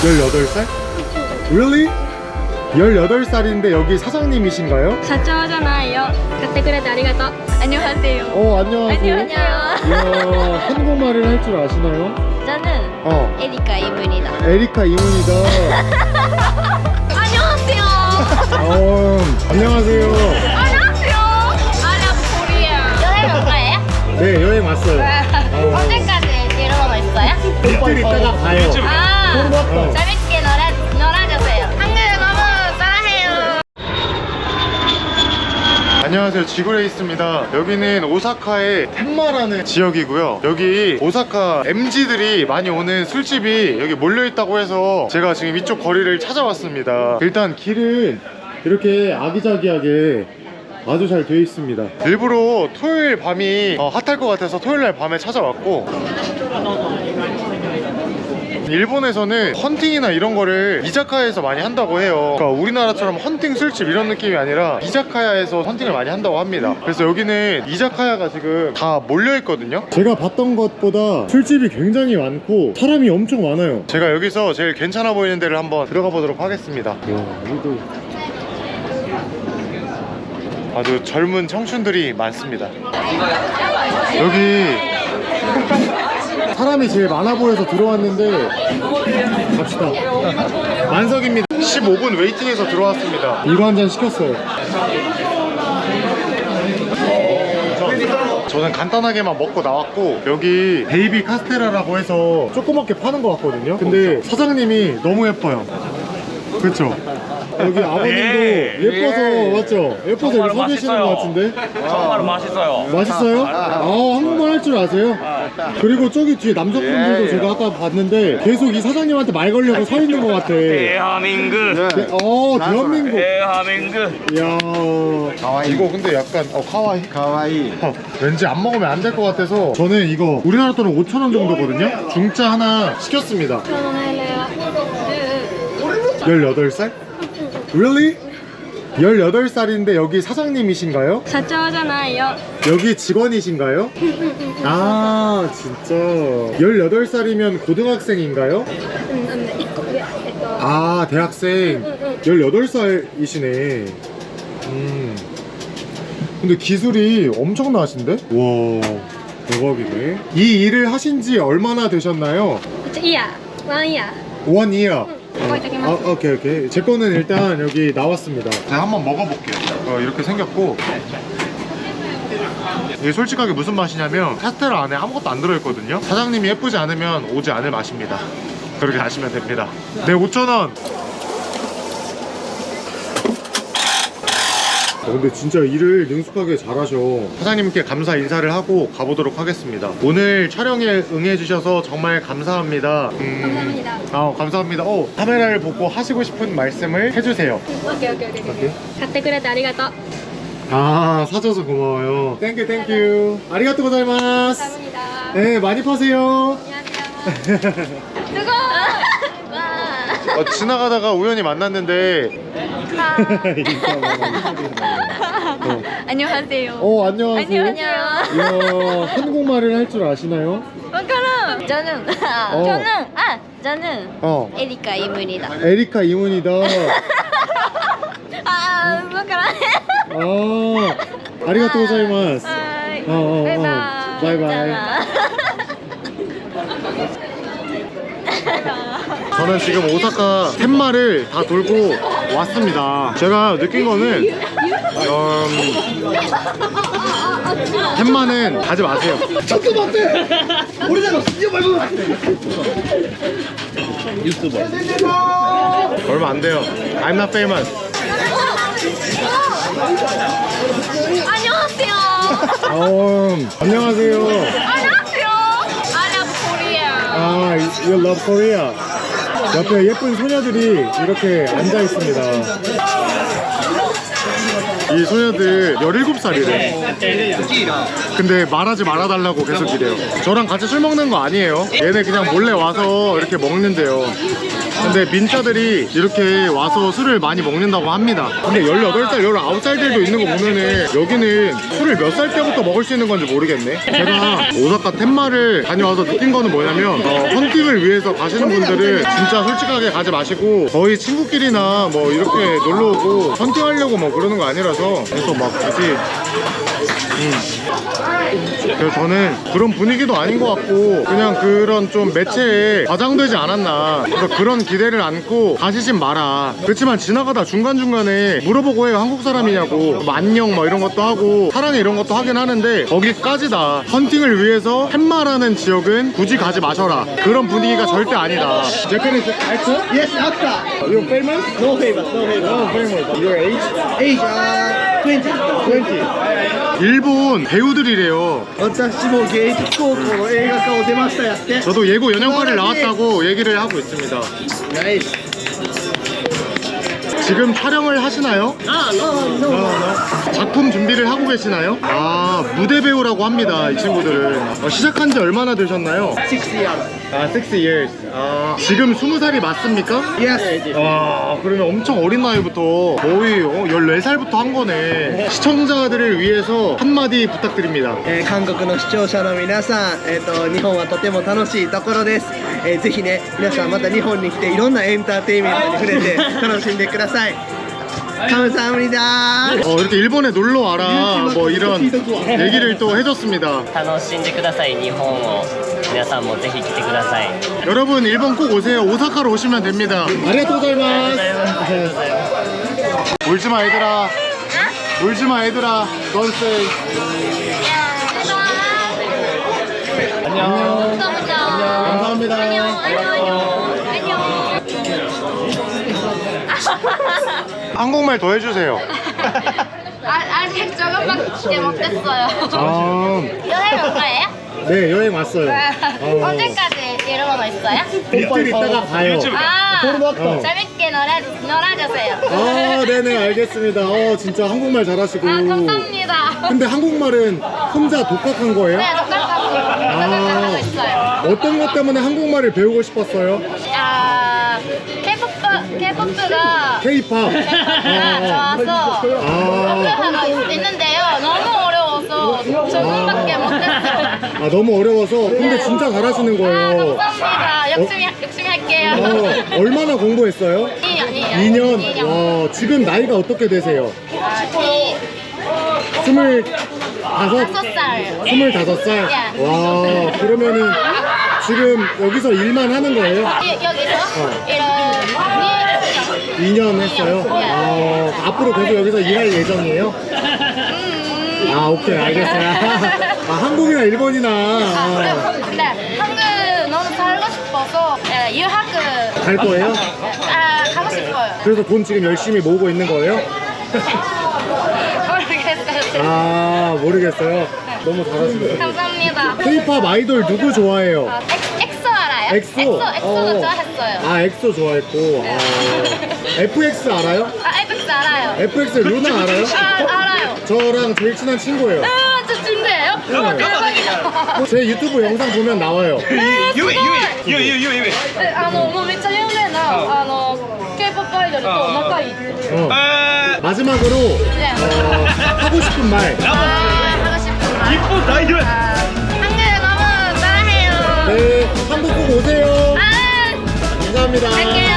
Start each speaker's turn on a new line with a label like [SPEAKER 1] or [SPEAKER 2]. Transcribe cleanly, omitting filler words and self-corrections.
[SPEAKER 1] 18살? Really? 18살인데 여기 사장님이신가요?
[SPEAKER 2] 社長じゃないよ。買ってくれてありがとう。 안녕하세요.
[SPEAKER 1] 안녕하세요.
[SPEAKER 2] 안녕.
[SPEAKER 1] 이야, 한국말을 할 줄 아시나요?
[SPEAKER 2] 저는 에리카 이문이다.
[SPEAKER 1] 에리카 이문이다.
[SPEAKER 2] 안녕하세요.
[SPEAKER 1] 안녕하세요.
[SPEAKER 2] 안녕하세요. I love Korea. 여행 올 거예요?
[SPEAKER 1] 네, 여행 왔어요.
[SPEAKER 2] 언제까지 이러고 있어요?
[SPEAKER 1] 이틀 있다가 가요.
[SPEAKER 2] 아, 재밌게 놀아주세요. 한국 너무 사랑해요.
[SPEAKER 1] 안녕하세요, 지구레이스입니다. 여기는 오사카의 텐마라는 지역이고요. 여기 오사카 MZ들이 많이 오는 술집이 여기 몰려있다고 해서 제가 지금 이쪽 거리를 찾아왔습니다. 일단 길은 이렇게 아기자기하게 아주 잘 되어 있습니다. 일부러 토요일 밤이 핫할 것 같아서 토요일날 밤에 찾아왔고, 일본에서는 헌팅이나 이런 거를 이자카야에서 많이 한다고 해요. 그러니까 우리나라처럼 헌팅 술집 이런 느낌이 아니라 이자카야에서 헌팅을 많이 한다고 합니다. 그래서 여기는 이자카야가 지금 다 몰려있거든요. 제가 봤던 것보다 술집이 굉장히 많고 사람이 엄청 많아요. 제가 여기서 제일 괜찮아 보이는 데를 한번 들어가 보도록 하겠습니다. 여기도 아주 젊은 청춘들이 많습니다. 여기 사람이 제일 많아 보여서 들어왔는데 갑시다. 만석입니다. 15분 웨이팅해서 들어왔습니다. 이거 한 잔 시켰어요. 저는 간단하게만 먹고 나왔고, 여기 베이비 카스테라라고 해서 조그맣게 파는 것 같거든요. 근데 사장님이 너무 예뻐요. 그쵸? 여기 아버님도 예뻐서 맞죠? 예뻐서 여기 서 계시는 것 같은데?
[SPEAKER 3] 정말 맛있어요.
[SPEAKER 1] 맛있어요? 한국말 할 줄 아세요? 그리고 저기 뒤에 남성분들도 제가 아까 봤는데 계속 이 사장님한테 말 걸려고 서 있는 것 같아.
[SPEAKER 3] 대한민국.
[SPEAKER 1] 대한민국.
[SPEAKER 3] 대한민국.
[SPEAKER 1] 이야. 이거 근데 약간 카와이. 왠지 안 먹으면 안 될 것 같아서 저는 이거 우리나라 돈은 5,000원 정도거든요. 중짜 하나 시켰습니다. 18살? Really? 18살인데 여기 사장님이신가요?
[SPEAKER 2] 社長じゃないよ。
[SPEAKER 1] 여기 직원이신가요? 아, 진짜. 18살이면 고등학생인가요? 아, 대학생. 18살이시네. 근데 기술이 엄청나신데? 와, 대박이네. 이 일을 하신 지 얼마나 되셨나요?
[SPEAKER 2] いや、ワンイヤ
[SPEAKER 1] One year.
[SPEAKER 2] 覚えておきます。
[SPEAKER 1] 오케이. 제 거는 일단 여기 나왔습니다. 제가 한번 먹어볼게요. 이렇게 생겼고, 이게 솔직하게 무슨 맛이냐면 카스테라 안에 아무것도 안 들어있거든요. 사장님이 예쁘지 않으면 오지 않을 맛입니다. 그렇게 아시면 됩니다. 네, 5,000원. 근데 진짜 일을 능숙하게 잘하셔. 사장님께 감사 인사를 하고 가보도록 하겠습니다. 오늘 촬영에 응해주셔서 정말 감사합니다.
[SPEAKER 2] 감사합니다.
[SPEAKER 1] 감사합니다. 카메라를 보고 하시고 싶은 말씀을 해주세요.
[SPEAKER 2] 오케이. 買ってくれてありがとう。
[SPEAKER 1] 사줘서 고마워요. 땡큐. 아리가또 고자이마스.
[SPEAKER 2] 감사합니다.
[SPEAKER 1] 네, 많이 파세요.
[SPEAKER 2] 안녕하세요. 수고. 와.
[SPEAKER 1] 지나가다가 우연히 만났는데
[SPEAKER 2] 안녕하세요.
[SPEAKER 1] 안녕하세요. 이야, 한국말을 할 줄 아시나요?
[SPEAKER 2] 그럼 저는 에리카 이문이다.
[SPEAKER 1] 에리카 이문이다. 아리가또 고자이마스. 바이바이. 저는 지금 오사카 텐마를 다 돌고 왔습니다. 제가 느낀 거는 텐마는 가지 마세요. 유튜버 얼마 안 돼요. I'm not famous.
[SPEAKER 2] 안녕하세요.
[SPEAKER 1] 안녕하세요.
[SPEAKER 2] 안녕하세요. I love Korea.
[SPEAKER 1] You love Korea. 옆에 예쁜 소녀들이 이렇게 앉아 있습니다. 이 소녀들 17살이래. 근데 말하지 말아달라고 계속 이래요. 저랑 같이 술 먹는 거 아니에요. 얘네 그냥 몰래 와서 이렇게 먹는데요. 근데 근데 민자들이 이렇게 와서 술을 많이 먹는다고 합니다. 근데 18살, 19살들도 있는 거 보면은 여기는 술을 몇 살 때부터 먹을 수 있는 건지 모르겠네. 제가 오사카 텐마를 다녀와서 느낀 거는 뭐냐면 헌팅을 위해서 가시는 분들은 진짜 솔직하게 가지 마시고 거의 친구끼리나 뭐 이렇게 놀러 오고 헌팅하려고 뭐 그러는 거 아니라서 그래서 막 굳이 그래서 저는 그런 분위기도 아닌 것 같고 그냥 그런 좀 매체에 과장되지 않았나, 그래서 그런 기대를 안고 가시진 마라. 그렇지만 지나가다 중간중간에 물어보고 해요. 한국 사람이냐고, 뭐 안녕 뭐 이런 것도 하고 사랑해 이런 것도 하긴 하는데 거기까지다. 헌팅을 위해서 텐마라는 지역은 굳이 가지 마셔라, 그런 분위기가 절대 아니다. Japanese actor?
[SPEAKER 4] Yes, actor.
[SPEAKER 1] You famous?
[SPEAKER 4] No famous, no famous.
[SPEAKER 1] No famous. Your age?
[SPEAKER 4] Age 20.
[SPEAKER 1] 20. 일본 배우들이래요.
[SPEAKER 4] 私も芸術高校の映画科を出ましたやって。
[SPEAKER 1] 저도 예고 연영과를 나왔다고 얘기를 하고 있습니다.
[SPEAKER 4] 나이스.
[SPEAKER 1] 지금 촬영을 하시나요? 작품 준비를 하고 계시나요? 아, 무대 배우라고 합니다, 이 친구들은. 시작한 지 얼마나 되셨나요?
[SPEAKER 4] 6 years.
[SPEAKER 1] 아, 6 years. 아, 지금 20살이 맞습니까?
[SPEAKER 4] Yes.
[SPEAKER 1] 와, 그러면 엄청 어린 나이부터 거의 14살부터 한 거네. 시청자들을 위해서 한마디 부탁드립니다.
[SPEAKER 4] 韓国の視聴者の皆さん、日本はとても楽しいところです。ぜひね、皆さんまた日本に来ていろんなエンターテインメントに触れて楽しんでください。 감사합니다.
[SPEAKER 1] 이렇게 일본에 놀러 와라 뭐 이런 얘기를 또 해줬습니다.
[SPEAKER 5] 楽しんでください。日本を皆さんもぜひ来てください。
[SPEAKER 1] 여러분 일본 꼭 오세요. 오사카로 오시면 됩니다. 아리가토고자이마스. 울지마 얘들아. 울지마 얘들아. Don't say. 안녕. 감사합니다. 한국말 더 해주세요.
[SPEAKER 2] 아직 조금밖에 못했어요.
[SPEAKER 1] 아,
[SPEAKER 2] 여행 올 거예요?
[SPEAKER 1] 네, 여행 왔어요.
[SPEAKER 2] 언제까지 일본 있어요?
[SPEAKER 1] 이틀 있다가 가요.
[SPEAKER 2] 아,
[SPEAKER 1] 어.
[SPEAKER 2] 재밌게 놀아주세요.
[SPEAKER 1] 아, 네네, 알겠습니다. 진짜 한국말 잘하시고.
[SPEAKER 2] 아, 감사합니다.
[SPEAKER 1] 근데 한국말은 혼자 독학한 거예요?
[SPEAKER 2] 네, 똑같하고 하고 있어요.
[SPEAKER 1] 어떤 것 때문에 한국말을 배우고 싶었어요?
[SPEAKER 2] 아, K-POP가
[SPEAKER 1] K-pop.
[SPEAKER 2] 좋아서 공부하고 있는데요. 너무 어려워서 적응밖에 못했어요.
[SPEAKER 1] 아, 너무 어려워서. 근데 진짜 잘하시는
[SPEAKER 2] 아,
[SPEAKER 1] 거예요.
[SPEAKER 2] 감사합니다. 열심히 할게요.
[SPEAKER 1] 얼마나 공부했어요?
[SPEAKER 2] 2년.
[SPEAKER 1] 2년. 와, 지금 나이가 어떻게 되세요?
[SPEAKER 2] 아,
[SPEAKER 1] 25?
[SPEAKER 2] 5살.
[SPEAKER 1] 25살?
[SPEAKER 2] 예.
[SPEAKER 1] 와, 그러면은 지금 여기서 일만 하는 거예요?
[SPEAKER 2] 여기서 이런
[SPEAKER 1] 2년 했어요? 아, 앞으로 계속 여기서 일할 예정이에요? 아, 오케이, 알겠어요. 아, 한국이나 일본이나.
[SPEAKER 2] 근데 한국 너무 살고 싶어서 유학을
[SPEAKER 1] 갈 거예요?
[SPEAKER 2] 가고 싶어요.
[SPEAKER 1] 그래서 돈 지금 열심히 모으고 있는 거예요?
[SPEAKER 2] 모르겠어요.
[SPEAKER 1] 아, 모르겠어요. 너무 잘하시네요.
[SPEAKER 2] 감사합니다.
[SPEAKER 1] K-pop 아이돌 누구 좋아해요?
[SPEAKER 2] 엑소 알아요?
[SPEAKER 1] 엑소?
[SPEAKER 2] 엑소도 좋아했어요.
[SPEAKER 1] 아, 엑소 좋아했고. FX 알아요?
[SPEAKER 2] FX 알아요.
[SPEAKER 1] FX 루나 알아요?
[SPEAKER 2] 알아요.
[SPEAKER 1] 저랑 제일 친한 친구예요.
[SPEAKER 2] 저 준비해요?
[SPEAKER 1] 네.
[SPEAKER 2] 대박이다.
[SPEAKER 1] 제 유튜브 영상 보면 나와요.
[SPEAKER 3] ゆいゆいゆいゆいゆいゆい
[SPEAKER 2] もうめっちゃ有名なK-POPアイドルと仲いいって
[SPEAKER 1] 마지막으로
[SPEAKER 2] 네.
[SPEAKER 1] 하고 싶은 말.
[SPEAKER 2] 하고 싶은 말.
[SPEAKER 3] 이쁜 나이들
[SPEAKER 2] 한국 너무 사랑해요.
[SPEAKER 1] 네, 한국 꼭 오세요.
[SPEAKER 2] 아,
[SPEAKER 1] 감사합니다.
[SPEAKER 2] 갈게요.